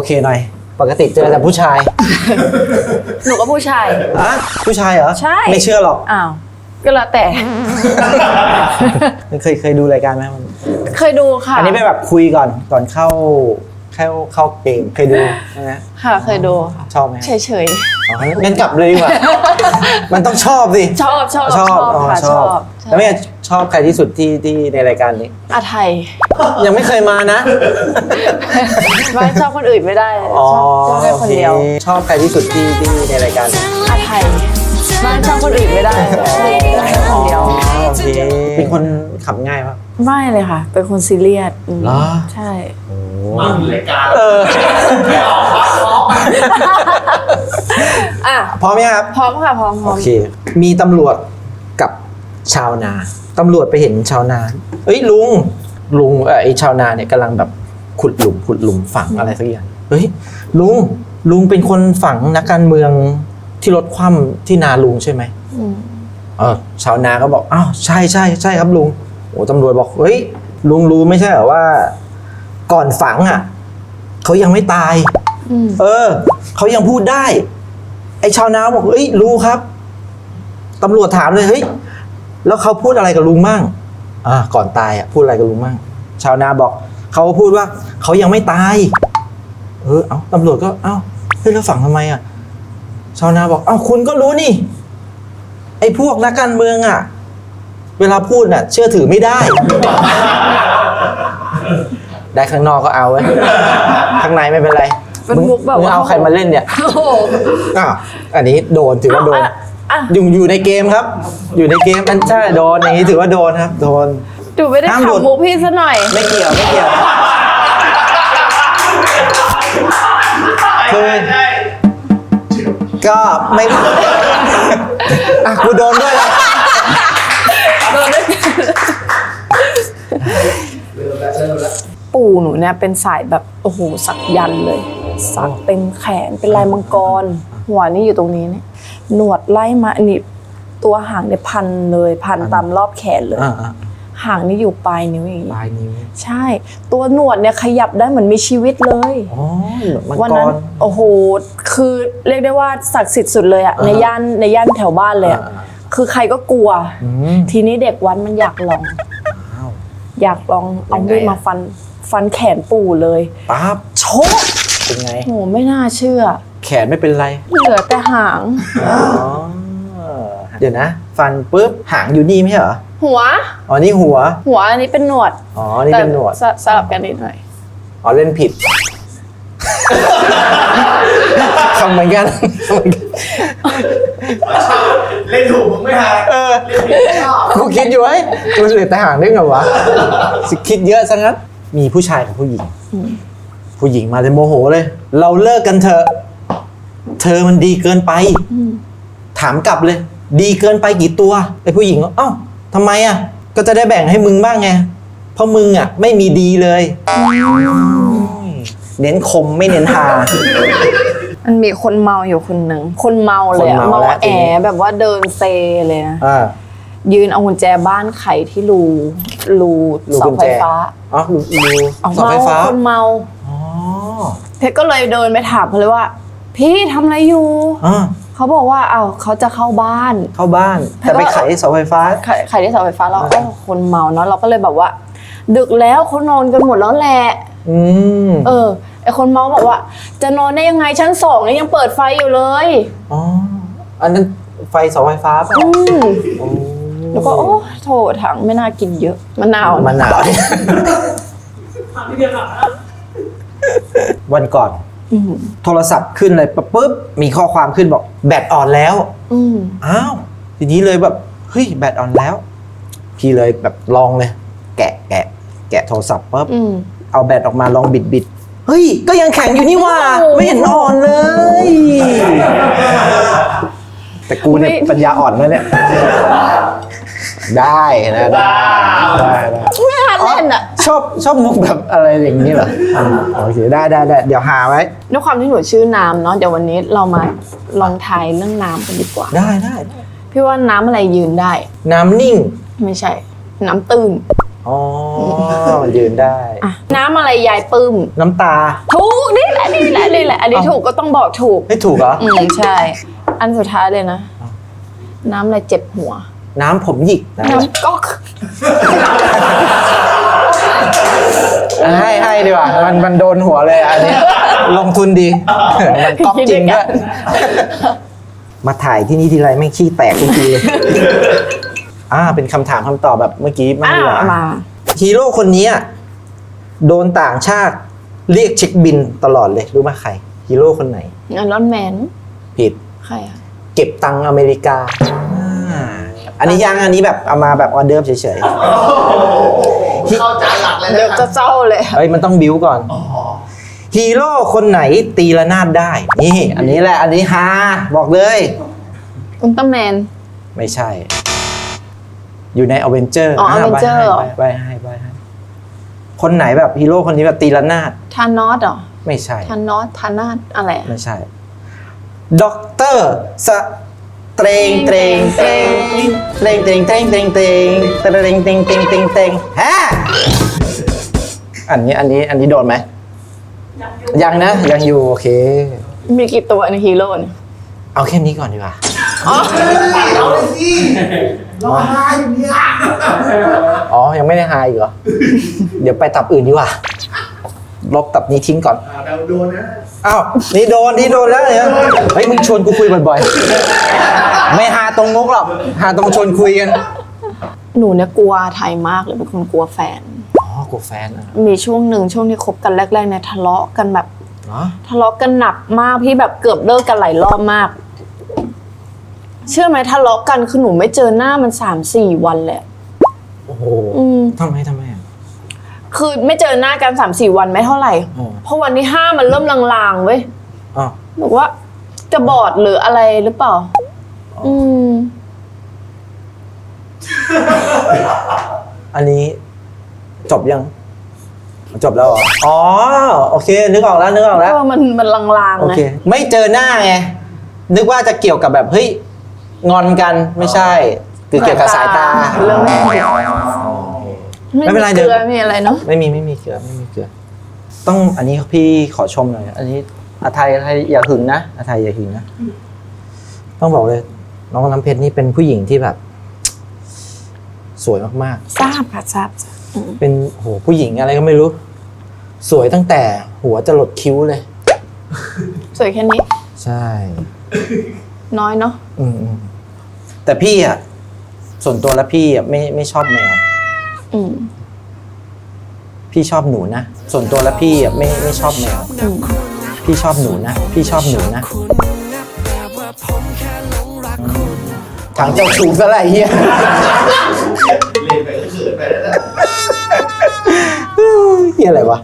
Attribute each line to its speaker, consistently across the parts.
Speaker 1: เคหน่อยปกติเจอแต่ผู้ชาย
Speaker 2: หนูก็ผู้ชาย
Speaker 1: อ่ะผู้ชายเหรอ
Speaker 2: ใช่
Speaker 1: ไม่เชื่อหรอก
Speaker 2: อ้าวก็แล้วแต่
Speaker 1: เคยดูรายการไหมมัน
Speaker 2: เคยดูค่ะ
Speaker 1: อันนี้ไปแบบคุยก่อนเข้าเกมเคยดูใช่ไหม
Speaker 2: ค่ะเคยดู
Speaker 1: ชอบไหม
Speaker 2: เฉย
Speaker 1: อ๋องั้นกลับเลยดีกว่า มันต้องชอบสิ
Speaker 2: ๆชอบค่ะ
Speaker 1: ชอบแล้วแม่ชอบใครที่สุดที่ในรายการนี้
Speaker 2: อาไทย
Speaker 1: ยังไม่เคยมานะ
Speaker 2: ไม่ชอบคนอื่นไม่ได้ชอบแค่คนเดียว
Speaker 1: ชอบใครที่สุดที่ในรายการนี้
Speaker 2: อาไทยไม่ชอบคนอื่นไม่ได้คนเดียว
Speaker 1: โอเคเป็นคนขับง่ายปะ
Speaker 2: ไม่เลยค่ะ เป็นคนซีเรียส
Speaker 1: เหรอ
Speaker 2: ใช่
Speaker 3: มาถึงรายการ
Speaker 1: ไม่ออก
Speaker 2: อ่ะ
Speaker 1: พร้อมไหมครับ
Speaker 2: พร้อมค่ะพร้อม
Speaker 1: โอเคมีตำรวจกับชาวนาตำรวจไปเห็นชาวนาเอ้ยลุงไอ้ชาวนาเนี่ยกำลังแบบขุดหลุมฝังอะไรสักอย่างเฮ้ยลุงเป็นคนฝังนักการเมืองที่รถคว่ำที่นาลุงใช่ไหมชาวนาก็บอกอ้าวใช่ครับลุงโอ้ตำรวจบอกเฮ้ยลุงรู้ไม่ใช่เหรอว่าก่อนฝังอ่ะเขายังไม่ตายเขายังพูดได้ไอ้ชาวนาบอกเฮ้ยรู้ครับตำรวจถามเลยเฮ้ยแล้วเขาพูดอะไรกับลุงมั่งก่อนตายอ่ะพูดอะไรกับลุงมั่งชาวนาบอกเขาพูดว่าเขายังไม่ตายเอาตำรวจก็เอ้าเฮ้ยแล้วฝังทำไมอ่ะชาวนาบอกเอ้าคุณก็รู้นี่ไอ้พวกนักการเมืองอ่ะเวลาพูดน่ะเชื่อถือไม่ได้ ได้ข้างนอกก็เอาไว้ข้างในไม่เป็นไร
Speaker 2: เป็นมุกแบบว่า
Speaker 1: เอาใครมาเล่นเนี่ยอันนี้โดนถือว่าโดนอยู่ในเกมครับอยู่ในเกมมันใช่โดนอย่างนี้ถือว่าโดนครับโดน
Speaker 2: ดูไม่ได้ขำมุกพี่ซะหน่อย
Speaker 1: ไม่เกี่ยวคือก็ไม่กูโดนด้วยแล้ว
Speaker 2: ปู่หนูเนี่ยเป็นสายแบบโอ้โหสักยันเลยสักเต็มแขนเป็นลายมังกรหัวนี่อยู่ตรงนี้เนี่ยหนวดไล่มาอันนี้ตัวหางเนี่ยพันเลยพันตามรอบแขนเลยหางนี่อยู่ปลายนิ้วอย่างนี้
Speaker 1: ปลายนิ้ว
Speaker 2: ใช่ตัวหนวดเนี่ยขยับได้เหมือนมีชีวิตเลยวันนั้นโอ้โหคือเรียกได้ว่าศักดิ์สิทธิ์สุดเลยอะในย่านแถวบ้านเลยอะคือใครก็กลัวทีนี้เด็กวัดมันอยากลองเอามีดมาฟันแขนปู่เลย
Speaker 1: ปั๊บ
Speaker 2: โชก
Speaker 1: เป็นไง
Speaker 2: โหไม่น่าเชื่อ
Speaker 1: แขนไม่เป็นไร
Speaker 2: เหลือแต่หาง
Speaker 1: เดี๋ยวนะฟันปุ๊บหางอยู่นี่ไม่ใช่เหรอ
Speaker 2: หัว
Speaker 1: นี่หัว
Speaker 2: อันนี้เป็นหนวด
Speaker 1: นี่เป็นหนวด
Speaker 2: สลับกันนิดหน่อย
Speaker 1: เล่นผิดทำเหมือนกัน
Speaker 3: เล่นถูกมึงไม่หา
Speaker 1: กูคิดอยู่ไอ้กูเหลือแต่หางได้ไงวะคิดเยอะซะงั้นมีผู้ชายกับผู้หญิงมาเลยโมโหเลยเราเลิกกันเถอะเธอมันดีเกินไปถามกลับเลยดีเกินไปกี่ตัวไอ้ผู้หญิงเอ้าทำไมอ่ะก็จะได้แบ่งให้มึงบ้างไงเพราะมึงอ่ะไม่มีดีเลยเน้นคมไม่เน้นทา
Speaker 2: มันมีคนเมาอยู่คนหนึ่งคนเมาเลยเมาแอแบบว่าเดินเซเลยนะยืนเอากุญแจบ้านไขที่รูเสาไฟฟ้า
Speaker 1: รูเสาไฟฟ้า
Speaker 2: คนเมาเพชรก็เลยเดินไปถามเขาเลยว่าพี่ทำอะไรอยู่เขาบอกว่าเขาจะเข้าบ้านแต่ไปไขเสาไฟฟ้าไขที่เสาไฟฟ้าแล้วคนเมาเนาะเราก็เลยแบบว่าดึกแล้วเขานอนกันหมดแล้วแหละไอคนเมาบอกว่าจะนอนได้ยังไงชั้น2เนี่ยยังเปิดไฟอยู่เลย
Speaker 1: อันนั้นไฟเสาไฟฟ้าป่ะ
Speaker 2: แล้วก็โถถังไม่น่ากินเยอะมะนาว
Speaker 1: วันก่อนโทรศัพท์ขึ้นเลยปุ๊บมีข้อความขึ้นบอกแบตอ่อนแล้วอ้าวทีนี้เลยแบบเฮ้ยแบตอ่อนแล้วพี่เลยแบบลองเลยแกะโทรศัพท์ปุ๊บเอาแบตออกมาลองบิดเฮ้ยก็ยังแข็งอยู่นี่ว่าไม่เห็นอ่อนเลยแต่กูเนี่ยปัญญาอ่อนแล้วเนี่ยได้นะได้
Speaker 2: ไม่ทันเล่นอ่ะ
Speaker 1: ชอบมุกแบบอะไรอย่างนี้เหรอโอเคได้เดี๋ยวหาไว้
Speaker 2: ด้วยความที่หนูชื่อน้ำเนาะเดี๋ยววันนี้เรามาลองทายเรื่องน้ำกันดีกว่า
Speaker 1: ได้
Speaker 2: พี่ว่าน้ำอะไรยืนได้
Speaker 1: น้ำนิ่ง
Speaker 2: ไม่ใช่น้ำตื้น
Speaker 1: อ๋อมันยืนได้
Speaker 2: อ่ะน้ำอะไรยายปื้ม
Speaker 1: น้ำตา
Speaker 2: ถูกนี่แหละนี่แหละนี่แหละอันนี้ถูกก็ต้องบอกถูก
Speaker 1: ไม่ถูกเหรอ
Speaker 2: ใช่ อันสุดท้ายเลยนะ น้ำอะไรเจ็บหัว
Speaker 1: น้ำผมหยิกนะ
Speaker 2: น้ำก๊อก
Speaker 1: ให้ดีกว่ามันโดนหัวเลยอันนี้ลงทุนดีมันก๊อปจริงด้วยมาถ่ายที่นี่ทีไรไม่งขี้แตกทุกทีเลยเป็นคำถามคำตอบแบบเมื่อกี้มากดีกว่า
Speaker 2: มา
Speaker 1: ฮีโร่คนนี้โดนต่างชาติเรียกเช็คบินตลอดเลยรู้ไหมใครฮีโร่คนไหน
Speaker 2: อันรอนแมน
Speaker 1: ผิด
Speaker 2: ใครอ่ะ
Speaker 1: เก็บตังค์อเมริกาอันนี้ยังอันนี้แบบเอามาแบบออเดิร์ฟเฉย
Speaker 3: เข้าใจหลักเลย
Speaker 2: เดี๋ยว
Speaker 3: นะ
Speaker 2: จะเศร้าเลย
Speaker 1: ๆเฮ้ยมันต้องบิ้วก่อนฮีโร่คนไหนตีระนาดได้นี่อันนี้แหละอันนี้ฮาบอกเลย
Speaker 2: อุลตร้าแมน
Speaker 1: ไม่ใช่ อยู่ในอเวนเจอร์
Speaker 2: อ๋อ Avenger เหรอ
Speaker 1: ใบให้คนไหนแบบฮีโร่คนนี้แบบตีระนาด
Speaker 2: ทานอสเหรอ
Speaker 1: ไม่ใช่
Speaker 2: ทานอสทานาสอะไรอะ
Speaker 1: ไม่ใช่ด็อกเตอร์สเตรงฮะอันนี้โดนไหมยังนะยังอยู่โอเค
Speaker 2: มีกี่ตัวในฮีโร่เนี่ย
Speaker 1: เอาแค่นี้ก่อนดีกว่า
Speaker 3: เอาเลยสิร้องไห้อยู่เนี่ย
Speaker 1: อ๋อยังไม่ได้หายอีกเหรอ เดี๋ยวไปตับอื่นดีกว่าลบตับนี้ทิ้งก่อน
Speaker 3: เราโดนนะ
Speaker 1: อ้าวนี่โดนแล้วเนี่ยเฮ้ยมึงชวนกูคุยบ่อยๆไม่หาตรงมุกหรอกหาตรงชวนคุยกัน
Speaker 2: หนูเนี่ยกลัวไทยมากเลยเป็นคนกลัวแฟน
Speaker 1: อ๋อกูแฟนอ่ะ
Speaker 2: มีช่วงที่คบกันแรกๆเนี่ยทะเลาะกันแบบ
Speaker 1: เหรอ
Speaker 2: ทะเลาะกันหนักมากพี่แบบเกือบเลิกกันหลายรอบมาก เชื่อไหมทะเลาะกันคือหนูไม่เจอหน้ามัน3-4 วันเลย
Speaker 1: โอ้โห ทำไมอ่ะ
Speaker 2: คือไม่เจอหน้ากัน3-4 วันไม่เท่าไหร่
Speaker 1: อ๋อ
Speaker 2: เพราะวันที่5มันเริ่มลางๆเว้ย
Speaker 1: อ๋อ
Speaker 2: บอกว่าจะบอดหรืออะไรหรือเปล่า
Speaker 1: อันนี้จบยังจบแล้วเหรออ๋อโอเคนึกออกแล้ว
Speaker 2: มันลาง
Speaker 1: โอ
Speaker 2: ๆไง
Speaker 1: เคไม่เจอหน้าไงนึกว่าจะเกี่ยวกับแบบเฮ้ยงอนกันไม่ใช่คือเกี่ยวกับสายตา
Speaker 2: เรื่องแรก
Speaker 1: ไม่เป็นไร
Speaker 2: เก
Speaker 1: เดี๋
Speaker 2: ลื
Speaker 1: ยว
Speaker 2: อมีอะไรเนาะ
Speaker 1: ไม่มีเกลือต้องอันนี้พี่ขอชมหน่อยอันนี้อาไทยอย่าหึงนะอาไทยอย่าหึงนะต้องบอกเลยน้องน้ำเพชรนี่เป็นผู้หญิงที่แบบ สวยมาก
Speaker 2: ทราบค่ะทราบ
Speaker 1: ๆเป็นโหผู้หญิงอะไรก็ไม่รู้ สวยตั้งแต่หัวจะหลดคิ้วเลย
Speaker 2: สวยแค่นี้
Speaker 1: ใช่
Speaker 2: น้อยเนาะ
Speaker 1: แต่พี่อ่ะส่วนตัวแล้วพี่อ่ะไม่ชอบแมว พี่ชอบหนูนะส่วนตัวแล้วพี่อ่ะไม่ชอบแมวพี่ชอบหนูนะทางเจ้าชู้ซะไรเฮีย
Speaker 3: เล่นไปก็เขินไปแล้วนะ
Speaker 1: เฮียอะไรวะ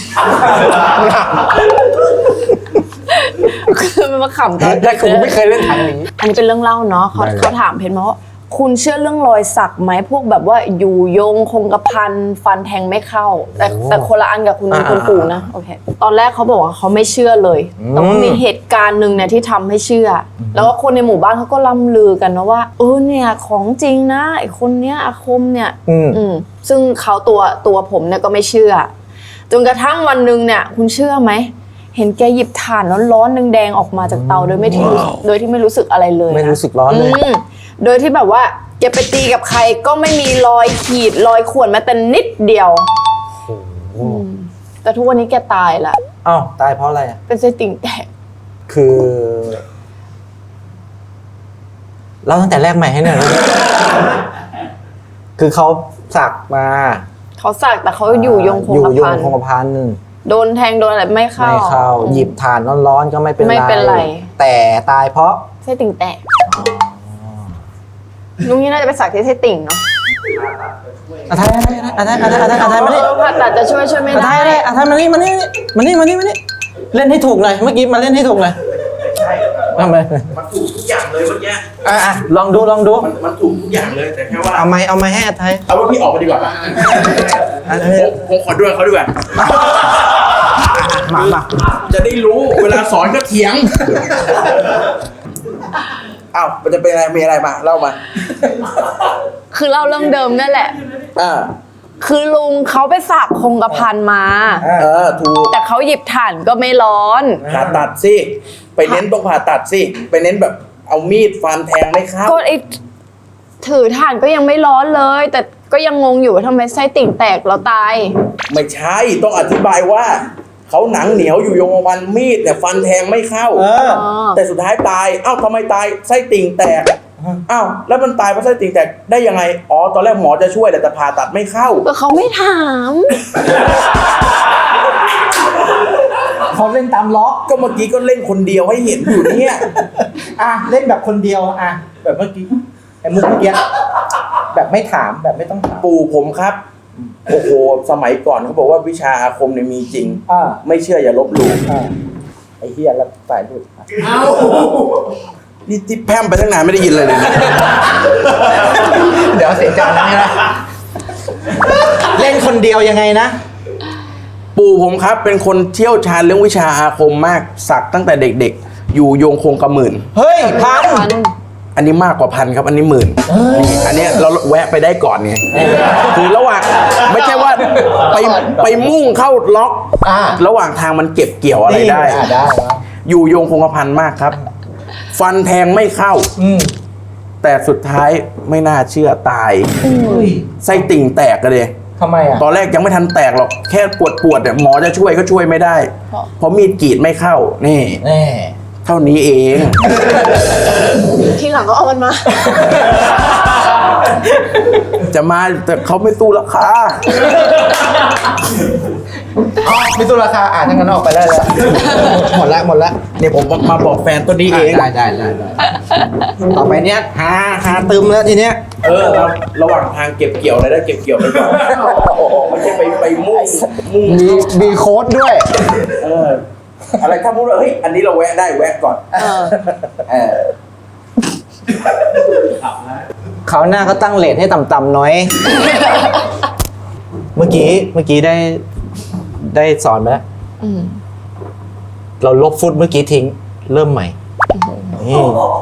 Speaker 2: คือมันมาขำกัน
Speaker 1: แต่กูไม่เคยเล่นทางนี้
Speaker 2: อันนี้เป็นเรื่องเล่าเนาะเขา
Speaker 1: ได้เลย
Speaker 2: เขาถามเพชรมาว่าคุณเชื่อเรื่องรอยสักไหมพวกแบบว่าอยู่ยงคงกระพันฟันแทงไม่เข้า แต่คนละอันกับคุณปู่นะโอเคตอนแรกเขาบอกว่าเขาไม่เชื่อเลยแต่ว่ามีเหตุการณ์หนึ่งเนี่ยที่ทำให้เชื่ออแล้วก็คนในหมู่บ้านเขาก็ล่ำลือกันนะว่าเนี่ยของจริงนะไอคนเนี้ยอาคมเนี่ยซึ่งเขาตัวผมเนี่ยก็ไม่เชื่อจนกระทั่งวันหนึ่งเนี่ยคุณเชื่อไหมเห็นแกหยิบถ่านร้อนๆแดงๆออกมาจากเตาโดยที่ไม่รู้สึกอะไรเลยนะ
Speaker 1: ไม่รู้สึกร้อนเลย
Speaker 2: โดยที่แบบว่าแกไปตีกับใครก็ไม่มีรอยขีดรอยข่วนแม้แต่นิดเดียวแต่ทุกวันนี้แกตายละ
Speaker 1: อ้าวตายเพราะอะไรอ่ะ
Speaker 2: เป็นไส้ติ่งแตก
Speaker 1: คือเราตั้งแต่แรกใหม่ให้หน่อยนะคือเขาสักมา
Speaker 2: เขาสักแต่เขาอยู่ยงคงกระพัน
Speaker 1: คงกระพัน
Speaker 2: โดนแทงโดนอะไรไม่เข้า
Speaker 1: หยิบถ่านร้อนๆก็ไม่เป็น
Speaker 2: ไม่เป็นไร
Speaker 1: แต่ตายเพราะ
Speaker 2: ไส้ติ่งแตกลุงนี่น่าจะไปสักที่ไส้ติ่งเนาะ
Speaker 1: อาไทยมานี่
Speaker 2: ผ่าตัดจะช่วยไม่
Speaker 1: อาไท
Speaker 2: ได้
Speaker 1: ยมานี่มานี่เล่นให้ถูกหน่อยเมื่อกี้มาเล่นให้ถูกหน่อย
Speaker 3: ใช่
Speaker 1: ทำไม
Speaker 3: มันถูกทุกอย่างเลยเมื่อกี้
Speaker 1: ลองดู
Speaker 3: มันถูกทุกอย่างเลยแต่แค่ว่า
Speaker 1: เอาไม้ให้อาไทย
Speaker 3: เอาว่าพี่ออกมาดีกว่าผมขอด้วยเขาดีกว่า
Speaker 1: มา
Speaker 3: จะได้รู้เวลาสอนก็เถียงอ้าวมันจะเป็นอะไรมีอะไรมาเล่ามา
Speaker 2: คือเล่าเรื่องเดิมนั่นแหละคือลุงเขาไปสักคงกระพันมา
Speaker 4: ถูก
Speaker 2: แต่เขาหยิบถ่านก็ไม่ร้อน
Speaker 4: ผ่าตัดสิไปเน้นตรงผ่าตัดสิไปเน้นแบบเอามีดฟันแทงไม่เข้า
Speaker 2: ก็ไอถือถ่านก็ยังไม่ร้อนเลย แต่ก็ยังงงอยู่ว่าทำไมไส้ติ่งแตกแล้วตาย
Speaker 4: ไม่ใช่ต้องอธิบายว่าเขาหนังเหนียวอยู่ยงวันมีดเนี่ยฟันแทงไม่เข้าแต่สุดท้ายตายเอ้าทำไมตายไส้ติ่งแตกอ้าวแล้วมันตายเพราะไส้ติ่งแตกได้ยังไงอ๋อตอนแรกหมอจะช่วยแต่ผ่าตัดไม่เข้า
Speaker 2: ก็เขาไม่ถาม
Speaker 1: เขาเล่นตามล็อก
Speaker 4: ก็เมื่อกี้ก็เล่นคนเดียวให้เห็นอยู่เนี่ย
Speaker 1: เล่นแบบคนเดียวแบบเมื่อกี้ไอ้มุกเมื่อกี้แบบไม่ถามแบบไม่ต้องถาม
Speaker 4: ปู่ผมครับโอ้โหสมัยก่อนเขาบอกว่าวิชาอาคมเนี่ยมีจริงไม่เชื่ออย่าลบหลู่
Speaker 1: ไอ้เหี้ยแล้วสายหลุด
Speaker 3: เอา
Speaker 4: นี่ที่แพร่มไปตั้งนานไม่ได้ยินเลยนะ
Speaker 1: เดี๋ยวเสียงจังนะเล่นคนเดียวยังไงนะ
Speaker 4: ปู่ผมครับเป็นคนเชี่ยวชาญเรื่องวิชาอาคมมากสักตั้งแต่เด็กๆ อยู่โยงคงกระหมื่น
Speaker 1: เฮ้ยพัน
Speaker 4: อันนี้มากกว่าพันครับอันนี้หมื่นนี่อันเนี้ยเราแวะไปได้ก่อนไงคือระหว่างไม่ใช่ว่าไปมุ่งเข้าล็อกระหว่างทางมันเก็บเกี่ยวอะไรได้
Speaker 1: ได้
Speaker 4: อยู่โยงคงกระพันมากครับ ฟันแทงไม่เข้าแต่สุดท้ายไม่น่าเชื่อตายไส้ติ่งแตกเลย
Speaker 1: ทำไมอ่ะ
Speaker 4: ตอนแรกยังไม่ทันแตกหรอกแค่ปวดเนี่ยหมอจะช่วยก็ช่วยไม่ได้เพราะมีดกรีดไม่เข้านี่
Speaker 1: แน่
Speaker 4: เท่านี้เอง
Speaker 2: ทีหลังก็เอามันมา
Speaker 4: จะมาแต่เขาไม่สู้ราคา
Speaker 1: มีตัวราคาทั้งนั้นออกไปได้แล้วหมดแล้ว
Speaker 4: เนี่ยผมมาบอกแฟนตัวนี้เอง
Speaker 1: ได้ต่อไปเนี้ยหาตึมแล้วทีเนี้ย
Speaker 4: ครับระหว่างทางเก็บเกี่ยวอะไรได้เก็บเกี่ยวไปก่อนไม่ใช่ไปมุ่ง
Speaker 1: มีโค้ดด้วย
Speaker 4: อะไรถ้าพูดว่าเฮ้ยอันนี้เราแวะได้แวะก่อน
Speaker 1: เขาหน้าก็ตั้งเลทให้ต่ำๆน้อย เมื่อกี้ได้สอนไปแล้วเราลบฟุตเมื่อกี้ทิ้งเริ่มใหม่นี่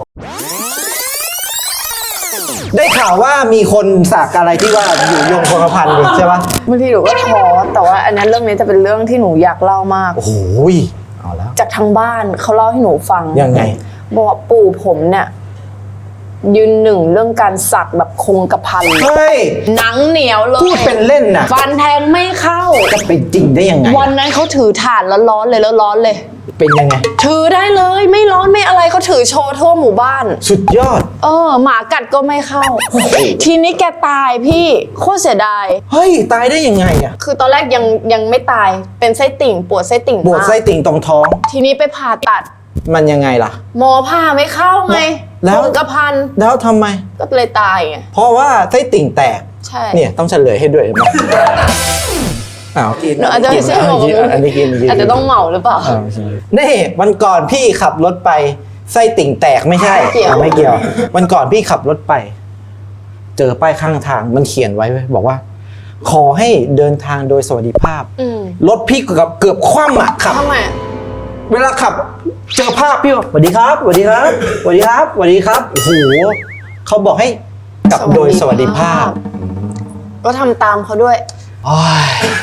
Speaker 1: ได้ข่าวว่ามีคนสักอะไรที่ว่าอยู่ยงคงกระพันเลยใช่ปะ
Speaker 2: บางทีหนูก็ท้อแต่ว่าอันนั้นเรื่องนี้จะเป็นเรื่องที่หนูอยากเล่ามาก
Speaker 1: โอ้โหเอาแล้ว
Speaker 2: จากทางบ้านเขาเล่าให้หนูฟัง
Speaker 1: ยังไง
Speaker 2: บอกว่าปู่ผมเนี่ยยืนหนึ่งเรื่องการสักแบบคงกระพัน
Speaker 1: เฮ้ย
Speaker 2: หนังเหนียวเลย
Speaker 1: พูดเป็นเล่นน่ะ
Speaker 2: ฟันแทงไม่เข้า
Speaker 1: จะไปจริงได้ยังไง
Speaker 2: วันนั้นเขาถือถ่านแล้วร้อนเลยแล้วร้อนเลย
Speaker 1: เป็นยังไง
Speaker 2: ถือได้เลยไม่ร้อนไม่อะไรเขาถือโชว์ทั่วหมู่บ้าน
Speaker 1: สุดยอด
Speaker 2: หมากัดก็ไม่เข้า ทีนี้แกตายพี่โคตรเสียดาย
Speaker 1: เฮ้ยตายได้ยังไงอ่ะ
Speaker 2: คือตอนแรกยังไม่ตายเป็นไส้ติ่งปวดไส้ติ่ง
Speaker 1: ปวด
Speaker 2: มาก
Speaker 1: ไส้ติ่งตรงท้อง
Speaker 2: ทีนี้ไปผ่าตัด
Speaker 1: มันยังไงล่ะ
Speaker 2: หมอผ่าไม่เข้าไง
Speaker 1: แล้ว
Speaker 2: คงกระพัน
Speaker 1: แล้วทำไม
Speaker 2: ก็เลยตายไง
Speaker 1: เพราะว่าไส้ติ่งแตก
Speaker 2: ใช่
Speaker 1: เนี่ยต้องเฉลยให้ด้วยเห็นไหมอ้าวกิน
Speaker 2: หนูอาจจะไม่ใช่หมอ
Speaker 1: อันนี้กิน
Speaker 2: อาจจะต้องเหมาหรือเปล่า
Speaker 1: นี่วันก่อนพี่ขับรถไปไส้ติ่งแตกไม่ใช่
Speaker 2: ไม่เกี่ยว
Speaker 1: ไม่เกี่ยว วันก่อนพี่ขับรถไป เจอป้ายข้างทางมันเขียนไว้เว้ยบอกว่า ขอให้เดินทางโดยสวัสดิภาพ รถพี่เกือบคว่ำอ่ะขับ
Speaker 2: ทำไม
Speaker 1: เวลาขับเจอภาพพี่บอกสวัสดีครับสวัสดีครับสวัสดีครับสวัสดีครับโอ้โหเขาบอกให้กลับโดยสวัสดิภาพ
Speaker 2: ก็ทำตามเขาด้วย
Speaker 1: โอ้ย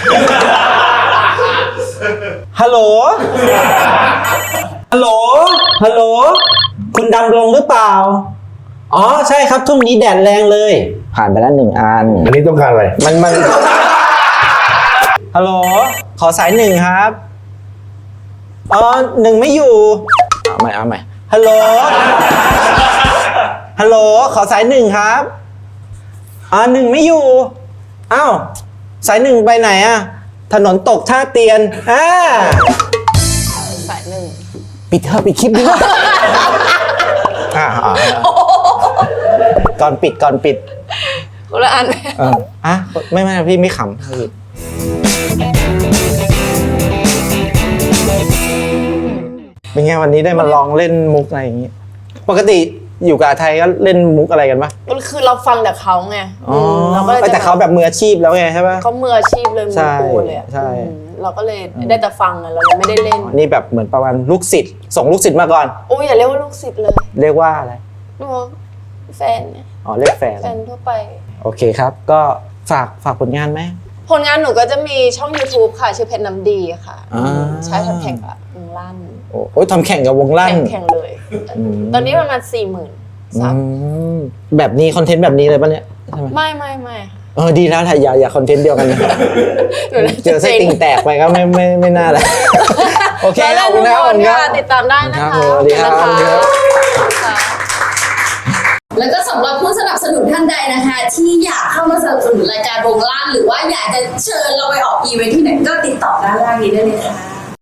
Speaker 1: ฮัลโหลฮัลโหลฮัลโหลคุณดำรงหรือเปล่าอ๋อใช่ครับทุ่งนี้แดดแรงเลย ผ่านไปแล้ว1 อัน
Speaker 3: อันนี้ต้องการอะไร
Speaker 1: มันฮัลโหลขอสาย1ครับ1ไม่อยู่เอาใหม่ฮัลโหลฮัลโหลขอสาย1ครับ1ไม่อยู่อ้าวสาย1ไปไหนอะถนนตกท่าเตียน
Speaker 2: สายหนึ่ง
Speaker 1: ปิดเถอะปิดคลิปดีกว่าก่อนปิด
Speaker 2: คนละอัน
Speaker 1: ไม่พี่ไม่ขำเป็นไงวันนี้ได้มาลองเล่นมุกอะไรอย่างงี้ปกติอยู่กับไทยก็เล่นมุกอะไรกันปะ
Speaker 2: ก็คือเราฟังแต่เขาไง
Speaker 1: เราก็แต่เขาแบบมืออาชีพแล้วไงใช่ปะ
Speaker 2: เขามืออาชีพเลยมือปูเลยอะ
Speaker 1: ใช่
Speaker 2: เราก็เลยได้แต่ฟังอะเรายังไม่ได้เล่น
Speaker 1: นี่แบบเหมือนประมาณลูกศิษย์ส่งลูกศิษย์มาก่อน
Speaker 2: โอ้ยอย่าเรียกว่าลูกศิษย์เลย
Speaker 1: เรียกว่าอะไร
Speaker 2: เรียกว่าแฟนเนี่ย
Speaker 1: เรียกแฟน
Speaker 2: แฟนทั่วไป
Speaker 1: โอเคครับ ก็ฝากผลงานไหม
Speaker 2: ผลงานหนูก็จะมีช่อง YouTube ค่ะ ชื่อเพชรน้ำดีค่ะ ใช่ทำแข่งกับวงลั่น
Speaker 1: โอ้ยทำแข่งกับวงลั่น
Speaker 2: แข่งเลย ตอนนี้ประมาณ40,000 ซับ
Speaker 1: แบบนี้คอนเทนต์แบบนี้เลยปะเนี่ยใช่ไหม
Speaker 2: ไม่
Speaker 1: ดีแล้วถ่ายอย่าคอนเทนต์เดียวกันนะเจอไส้ติ่งแตกไปก็ไม่น่าเลยโอเค
Speaker 2: แล้ว
Speaker 1: ขอบคุณนะ
Speaker 2: ทุก
Speaker 1: ขอบ
Speaker 2: ค
Speaker 1: คุ
Speaker 2: น
Speaker 1: ณค
Speaker 2: ค่ะ
Speaker 1: รับ
Speaker 2: ติดตามได้นะคะ
Speaker 1: สวัสดีครับ
Speaker 2: ขอณนะะ
Speaker 5: แล้วก็สำหรับผู้สนับสนุนท่านใดนะคะ ที่อยากเข้ามาสนับสนุนรายการวงล่างหรือว่าอยากจะเชิญเราไปออกอีเวนท์ที่ไหนก็ติดต่อด้านล่างนี้ได้เลยค่ะ